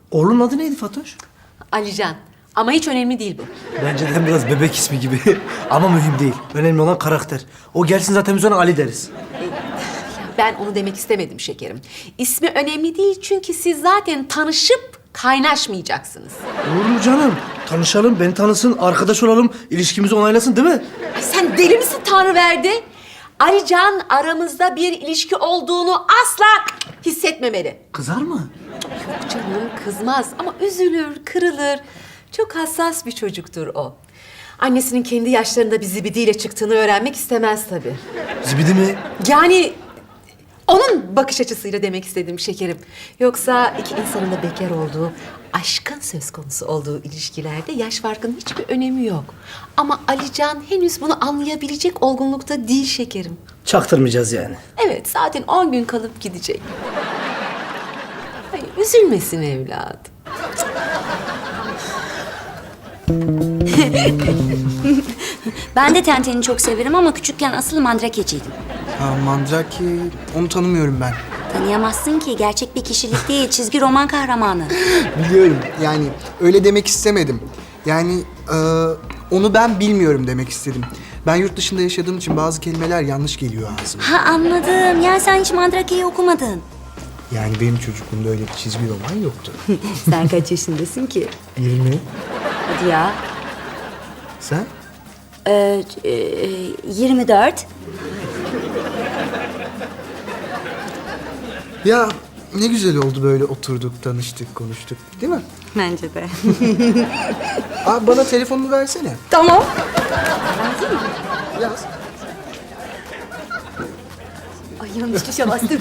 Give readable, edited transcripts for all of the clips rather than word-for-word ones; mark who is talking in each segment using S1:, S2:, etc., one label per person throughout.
S1: Oğlunun adı neydi Fatoş?
S2: Alican. Ama hiç önemli değil bu.
S1: Bence de biraz bebek ismi gibi. Ama mühim değil. Önemli olan karakter. O gelsin zaten biz ona Ali deriz.
S2: Ben onu demek istemedim şekerim. İsmi önemli değil çünkü siz zaten tanışıp kaynaşmayacaksınız.
S1: Olur mu canım? Tanışalım, beni tanısın, arkadaş olalım, ilişkimizi onaylasın değil mi?
S2: Ay sen deli misin Tanrıverdi? Alican aramızda bir ilişki olduğunu asla hissetmemeli.
S1: Kızar mı?
S2: Yok canım kızmaz ama üzülür, kırılır. Çok hassas bir çocuktur o. Annesinin kendi yaşlarında bir zibidiyle çıktığını öğrenmek istemez tabii.
S1: Zibidi mi?
S2: Yani onun bakış açısıyla demek istedim şekerim. Yoksa iki insanın da bekar olduğu, aşkın söz konusu olduğu ilişkilerde yaş farkının hiçbir önemi yok. Ama Alican henüz bunu anlayabilecek olgunlukta değil şekerim.
S1: Çaktırmayacağız yani.
S2: Evet, zaten 10 gün kalıp gidecek. Ay, üzülmesin evladım.
S3: Ben de Tenten'i çok severim ama küçükken asıl mandrakeciydim.
S4: Ha, Mandrake, onu tanımıyorum ben.
S3: Tanıyamazsın ki, gerçek bir kişilik değil, çizgi roman kahramanı.
S4: Biliyorum, yani öyle demek istemedim. Yani onu ben bilmiyorum demek istedim. Ben yurt dışında yaşadığım için bazı kelimeler yanlış geliyor ağzıma.
S3: Ha anladım, yani sen hiç Mandrake'yi okumadın.
S4: Yani benim çocukluğumda öyle bir çizgi roman yoktu.
S3: Sen kaç yaşındasın ki?
S4: 20.
S3: Hadi ya.
S4: Sen?
S3: 24.
S4: Ya ne güzel oldu böyle oturduk, tanıştık, konuştuk. Değil mi?
S3: Bence de.
S4: Abi bana telefonunu versene.
S3: Tamam.
S4: Yaz.
S3: Ay yanlış tuşa bastım.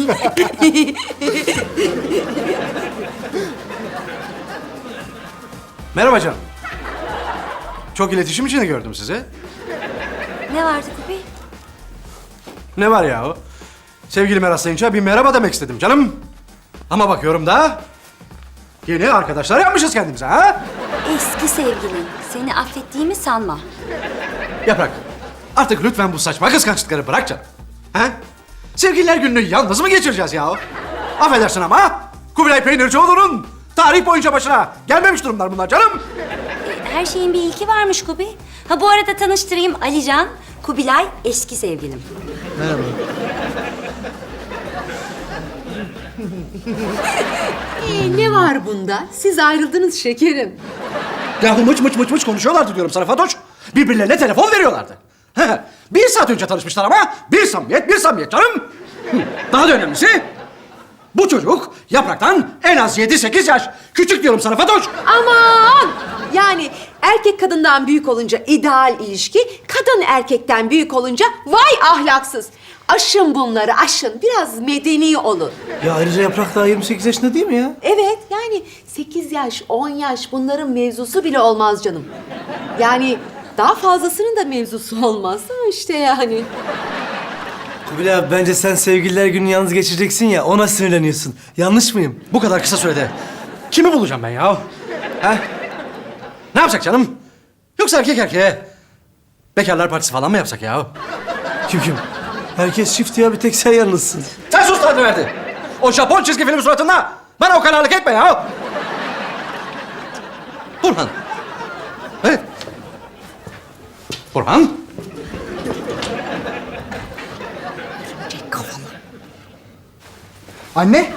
S5: Merhaba canım. Çok iletişim içinde gördüm sizi.
S3: Ne vardı Kubi?
S5: Ne var yahu? Sevgilime rastlayınca bir merhaba demek istedim canım. Ama bakıyorum da yeni arkadaşlar yapmışız kendimize ha?
S3: Eski sevgilin. Seni affettiğimi sanma.
S5: Yaprak, artık lütfen bu saçma kıskançlıkları bırak canım. Ha? Sevgililer gününü yalnız mı geçireceğiz yahu? Affedersin ama Kubilay Peynircioğlu'nun tarih boyunca başına gelmemiş durumlar bunlar canım.
S3: Her şeyin bir ilki varmış Kubi. Ha bu arada tanıştırayım, Alican, Kubilay eski sevgilim.
S4: Merhaba.
S2: Ne var bunda? Siz ayrıldınız şekerim.
S5: Yahu mıç konuşuyorlardı diyorum sana Fatoş. Birbirlerine telefon veriyorlardı. Bir saat önce tanışmışlar ama bir samimiyet canım. Daha da önemlisi bu çocuk Yaprak'tan en az 7-8 yaş küçük diyorum sana Fatoş.
S2: Aman! Yani erkek kadından büyük olunca ideal ilişki, kadın erkekten büyük olunca vay ahlaksız. Aşın bunları, aşın. Biraz medeni olun.
S1: Ya ayrıca Yaprak daha 28 yaşında değil mi ya?
S2: Evet, yani 8 yaş, 10 yaş bunların mevzusu bile olmaz canım. Yani daha fazlasının da mevzusu olmaz ama işte yani.
S1: Kubilay abi bence sen sevgililer gününü yalnız geçireceksin ya ona sinirleniyorsun. Yanlış mıyım?
S5: Bu kadar kısa sürede kimi bulacağım ben ya? Ha? Ne yapsak canım? Yoksa erkek erkeğe bekarlar partisi falan mı yapsak ya?
S1: Kim? Herkes çift ya bir tek sen yalnızsın.
S5: Sen sus lan verdi. O Japon çizgi film suratında bana o kararlılık etme ya. Burhan. Evet. Burhan.
S4: Anne?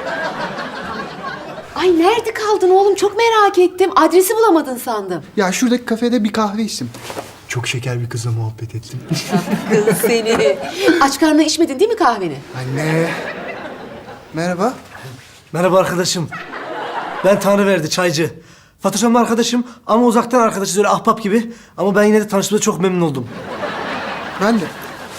S2: Ay nerede kaldın oğlum? Çok merak ettim. Adresi bulamadın sandım.
S4: Ya şuradaki kafede bir kahve içtim. Çok şeker bir kızla muhabbet ettim.
S2: Kız seni. Aç karnına içmedin değil mi kahveni?
S4: Anne. Merhaba.
S1: Merhaba arkadaşım. Ben Tanrıverdi, çaycı. Fatoş Hanım'la arkadaşım ama uzaktan arkadaşız öyle ahbap gibi. Ama ben yine de tanıştığımda çok memnun oldum.
S4: Ben de.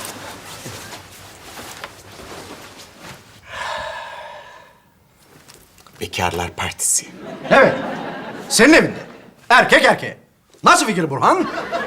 S6: Bekarlar Partisi.
S5: Evet. Senin evinde. Erkek erkeğe. Nasıl fikir Burhan?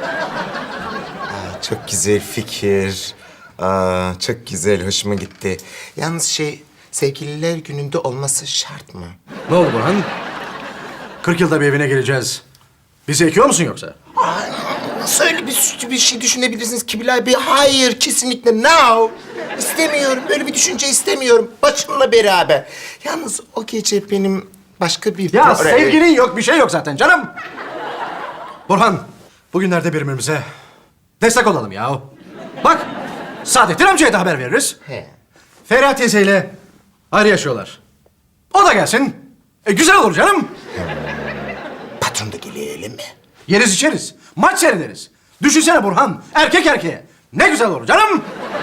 S6: Çok güzel fikir. Çok güzel, hoşuma gitti. Yalnız sevgililer gününde olması şart mı?
S5: Ne oldu Burhan? 40 yılda bir evine geleceğiz. Bizi ekiyor musun yoksa?
S6: Nasıl öyle bir şey düşünebilirsiniz Kubilay Bey? Hayır, kesinlikle no. İstemiyorum, böyle bir düşünce istemiyorum. Başımla beraber. Yalnız o gece benim Başka bir...
S5: Ya sevgilin yok, bir şey yok zaten canım. Burhan, bugünlerde birbirimize destek olalım ya. Bak, Saadettin amcaya da haber veririz.
S6: He.
S5: Feriha teyzeyle ayrı yaşıyorlar. O da gelsin. Güzel olur canım.
S6: Patron da gelelim mi?
S5: Yeriz içeriz, maç seyrederiz. Düşünsene Burhan, erkek erkeğe. Ne güzel olur canım.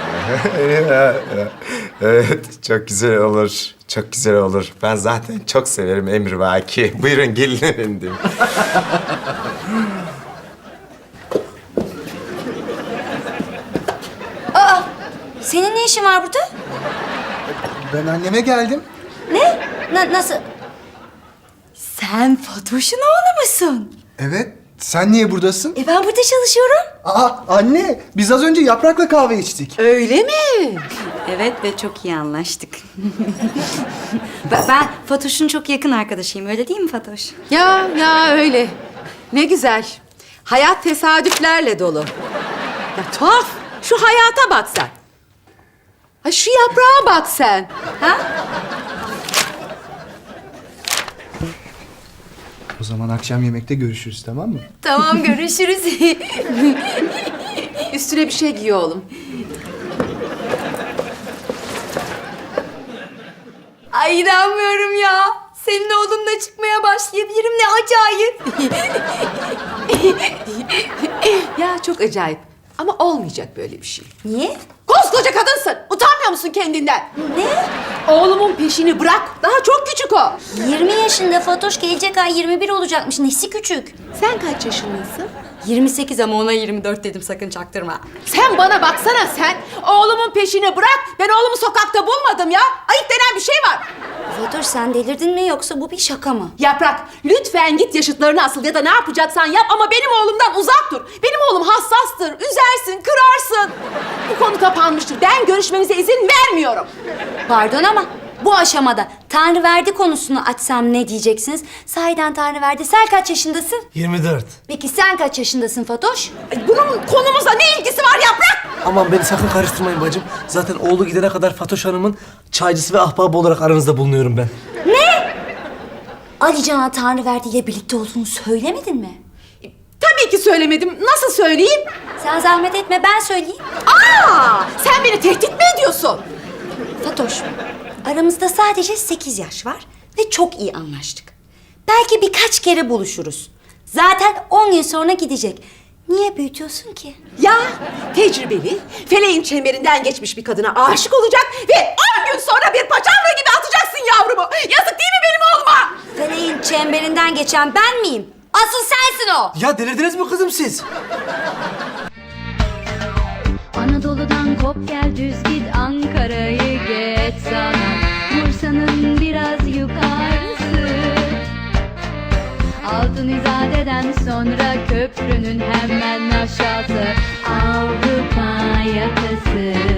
S6: Evet, çok güzel olur. Çok güzel olur. Ben zaten çok severim emrivaki. Buyurun gelin efendim.
S3: Senin ne işin var burada?
S4: Ben anneme geldim.
S3: Ne? Nasıl? Sen Fatoş'un oğlu musun?
S4: Evet. Sen niye buradasın?
S3: Ben burada çalışıyorum.
S4: Aa anne, biz az önce Yaprak'la kahve içtik.
S2: Öyle mi?
S3: Evet ve çok iyi anlaştık. Ben Fatoş'un çok yakın arkadaşıyım. Öyle değil mi Fatoş?
S2: Ya öyle. Ne güzel. Hayat tesadüflerle dolu. Ya tuhaf. Şu hayata bak sen. Ha şu yaprağa bak sen.
S3: Ha?
S4: O zaman akşam yemekte görüşürüz, tamam mı?
S3: Tamam, görüşürüz.
S2: Üstüne bir şey giy oğlum.
S3: Ay inanmıyorum ya. Senin oğlunla çıkmaya başlayabilirim. Ne acayip.
S2: Ya çok acayip. Ama olmayacak böyle bir şey.
S3: Niye?
S2: Koskoca kadınsın. Utanmıyor musun kendinden?
S3: Ne?
S2: Oğlumun peşini bırak. Daha çok küçük o.
S3: 20 yaşında Fatoş, gelecek ay 21 olacakmış. Nesi küçük?
S2: Sen kaç yaşındasın?
S3: 28 ama ona 24 dedim, sakın çaktırma.
S2: Sen bana baksana sen. Oğlumun peşini bırak. Ben oğlumu sokakta bulmadım ya. Ayıp denen bir şey var.
S3: Fatoş sen delirdin mi yoksa bu bir şaka mı?
S2: Yaprak, lütfen git yaşıtlarını asıl ya da ne yapacaksan yap ama benim oğlumdan uzak dur. Benim oğlum hassastır, üzersin, kırarsın. Bu konu kapanmıştır. Ben görüşmemize izin vermiyorum.
S3: Pardon ama bu aşamada Tanrıverdi konusunu açsam ne diyeceksiniz? Sahiden Tanrıverdi, sen kaç yaşındasın?
S1: 24.
S3: Peki sen kaç yaşındasın Fatoş?
S2: Ay, bunun konumuzla ne ilgisi var Yaprak?
S1: Aman beni sakın karıştırmayın bacım. Zaten oğlu gidene kadar Fatoş Hanım'ın çaycısı ve ahbabı olarak aranızda bulunuyorum ben.
S3: Ali Can'a Tanrıverdi ile birlikte olduğunu söylemedin mi?
S2: Tabii ki söylemedim. Nasıl söyleyeyim?
S3: Sen zahmet etme, ben söyleyeyim.
S2: Sen beni tehdit mi ediyorsun?
S3: Fatoş, aramızda sadece 8 yaş var ve çok iyi anlaştık. Belki birkaç kere buluşuruz. Zaten 10 gün sonra gidecek. Niye büyütüyorsun ki?
S2: Ya tecrübeli, feleğin çemberinden geçmiş bir kadına aşık olacak ve 10 gün sonra bir paçavra gibi atacaksın yavrumu. Yazık değil mi benim oğluma?
S3: Feleğin çemberinden geçen ben miyim? Asıl sensin o.
S1: Ya delirdiniz mi kızım siz?
S7: Anadolu'dan kop gel düz git Ankara'yı geç sana Bursa'nın biraz yukarısı Altın İzade'den sonra köprünün hemen aşağısı Avrupa yakası